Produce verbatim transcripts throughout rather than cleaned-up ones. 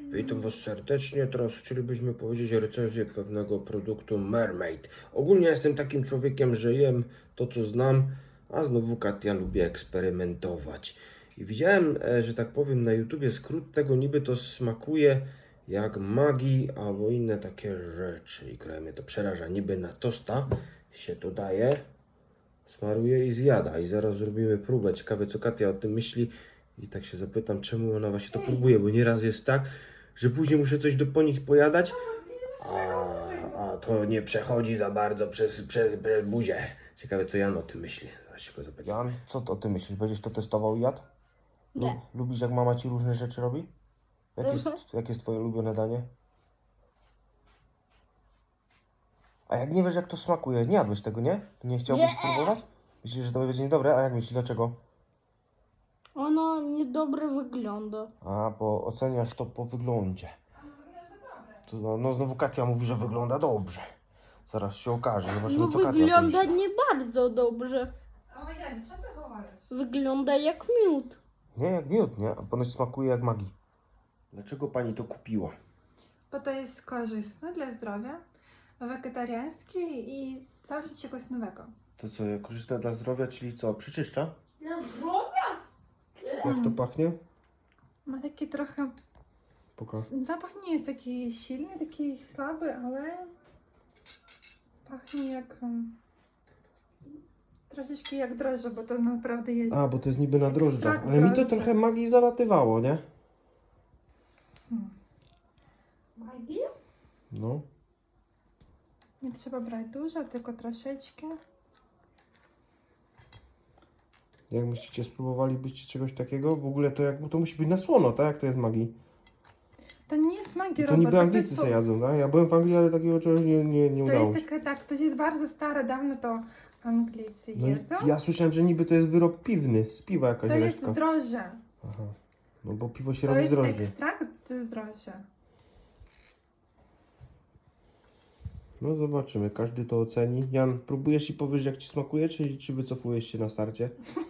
Witam Was serdecznie. Teraz chcielibyśmy powiedzieć recenzję pewnego produktu Mermaid. Ogólnie jestem takim człowiekiem, że jem to, co znam, a znowu Katia lubi eksperymentować. I widziałem, e, że tak powiem, na YouTubie skrót tego, niby to smakuje jak Maggi albo inne takie rzeczy. I kraj mnie to przeraża. Niby na tosta się to daje, smaruje i zjada. I zaraz zrobimy próbę. Ciekawe, co Katia o tym myśli. I tak się zapytam, czemu ona właśnie to próbuje, bo nieraz jest tak, że później muszę coś do po nich pojadać, a, a to nie przechodzi za bardzo przez, przez, przez buzię. Ciekawe, co Jan o tym myśli. Zaraz się go zapytam. Jan, co ty o tym myślisz? Będziesz to testował i jadł? Nie. Lub, lubisz, jak mama ci różne rzeczy robi? Jakie jest, Mhm. jakie jest twoje ulubione danie? A jak nie wiesz, jak to smakuje, nie jadłeś tego, nie? Nie chciałbyś Nie. spróbować? Myślisz, że to będzie niedobre? A jak myślisz, dlaczego? Ono niedobre wygląda. A, bo oceniasz to po wyglądzie. To, no, no znowu Katia mówi, że wygląda dobrze. Zaraz się okaże, zobaczymy, No co Katia wygląda pomyśli. nie bardzo dobrze. Ale Jan, co ty chowasz? Wygląda jak miód. Nie, jak miód, nie? A ponoć smakuje jak Maggi. Dlaczego pani to kupiła? Bo to jest korzystne dla zdrowia, wegetariańskie i coś czegoś nowego. To co, korzystne dla zdrowia, czyli co, przyczyszcza? Dla zdrowia? Jak to pachnie? Ma taki trochę... Pokaż. Zapach nie jest taki silny, taki słaby, ale pachnie jak... um, Troszeczkę jak drożdże, bo to naprawdę jest... A, bo to jest niby na drożdżach. Ekstrakt Ale mi to drożdży. trochę Maggi zalatywało, nie? Hmm. Maggi? No. Nie trzeba brać dużo, tylko troszeczkę. Jak myślicie, spróbowalibyście czegoś takiego? W ogóle to jak, to musi być na słono, tak? Jak to jest Maggi? To nie jest Maggi, To Robert, niby to Anglicy jest se po- jadzą, tak? Ja byłem w Anglii, ale takiego czegoś nie, nie, nie To udało jest się. taka, tak, to jest bardzo stare, dawno to Anglicy No jedzą. i ja słyszałem, że niby to jest wyrób piwny, z piwa jakaś To jest resztka. drożdże. Aha. No bo piwo się To robi z jest drożdży. ekstrakt z drożdży. No zobaczymy, każdy to oceni. Jan, próbujesz i powiesz, jak ci smakuje, czy, czy wycofujesz się na starcie?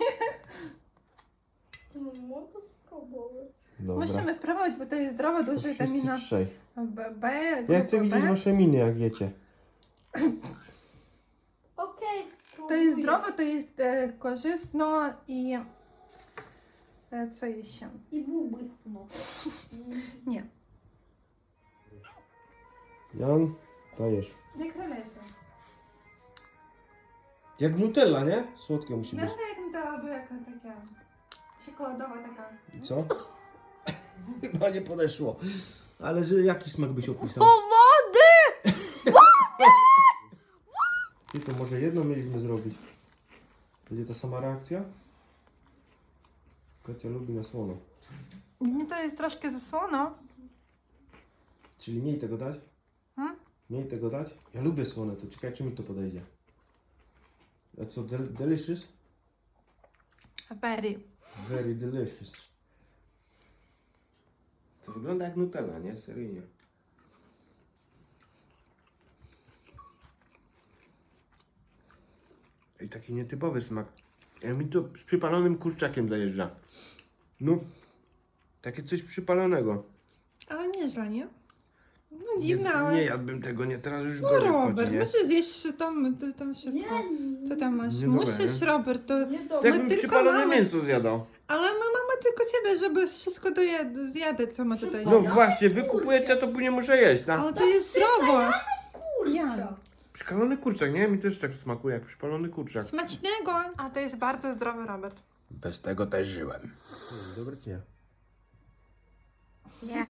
No mogę spróbować. Dobra. Musimy spróbować, bo to jest zdrowe, To dużo wszyscy witamina trzej. B, B, Ja grupy chcę widzieć B. wasze miny, jak jecie. Okej, To spróbuję. jest zdrowe, to jest e, korzystne i e, co jeszcze? I bubysno. Nie, Jan, dajesz. jak releza. Jak Nutella, nie? Słodkie musi być. Wygląda jak to albo jaka taka czekoladowa taka. I co? Chyba nie podeszło. Ale że jaki smak byś opisał? O wody! I to może jedno mieliśmy zrobić. Będzie ta sama reakcja? Katia lubi na słono. Nie, to jest troszkę za słono. Czyli mniej tego dać? Hmm? Mniej tego dać? Ja lubię słone, to czekaj, czy mi to podejdzie. A co, del delicious? Very. Very delicious. To wygląda jak Nutella, nie? Seryjnie. I taki nietypowy smak. Ja mi to z przypalonym kurczakiem zajeżdża. No, takie coś przypalonego. Ale nieźle, nie? No Nie, dziwne, ale... nie jadłbym tego, nie, teraz już No gorzej Robert, wchodzi, nie? musisz zjeść tam, to, tam wszystko. Nie, Co tam masz? Nie dobre, Musisz, nie? Robert, to... nie Tak dobrze. jakbym tylko przypalone mamy- mięso zjadał. Ale my mamy tylko ciebie, żeby wszystko dojed- zjadę, co ma tutaj. No właśnie, wy kupujecie, to później muszę jeść, tak? Ale to jest zdrowo. Kurczak. Jan. Przypalony kurczak, nie? Mi też tak smakuje jak przypalony kurczak. Smacznego. A to jest bardzo zdrowy, Robert. Bez tego też żyłem. Dobry czy nie? Nie.